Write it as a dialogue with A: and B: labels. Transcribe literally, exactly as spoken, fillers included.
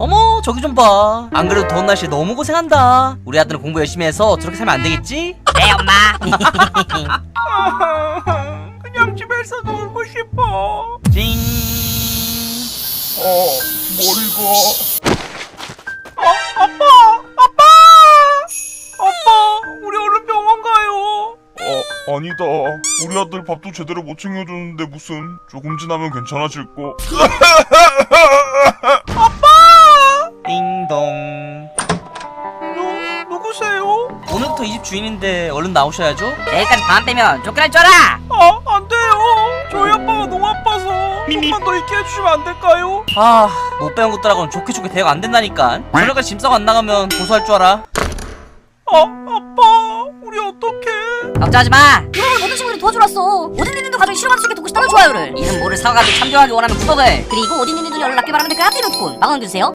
A: 어머 저기 좀 봐. 안 그래도 더운 날씨에 너무 고생한다. 우리 아들은 공부 열심히 해서 저렇게 살면 안 되겠지?
B: 네 엄마.
C: 그냥 집에서 놀고 싶어.
A: 징.
C: 어, 머리가. 어, 아빠! 아빠! 아빠, 우리 얼른 병원 가요. 어, 아니다. 우리 아들 밥도 제대로 못 챙겨줬는데 무슨 조금 지나면 괜찮아질 거. 아빠!
A: 띵동.
C: 누, 누구세요?
A: 오늘부터 이 집 주인인데 얼른 나오셔야죠.
B: 내일까지 밤 빼면 쫓겨날 줄 알아.
C: 아, 안 돼요. 저희 아빠가 너무 아파서 조금만 더 있게 해주시면 안 될까요?
A: 아, 못 배운 것들하고는 좋게 좋게 대화가 안 된다니까. 저녁까지 짐 싸고 안 나가면 고소할 줄 알아.
C: 아, 아빠, 우리 어떡해?
B: 걱정하지 마.
D: 이러면 모든 친구들이 도와주러 왔어. 오딘니님도 가족이 싫어하는 수있게 돕고 싶다면 좋아요를,
B: 이름 모를 사과가지고 참조하기 원하면 구독을.
D: 그리고 오딘니님도 연락 낫게 바라면 댓글 하트 이모티콘 마감해주세요.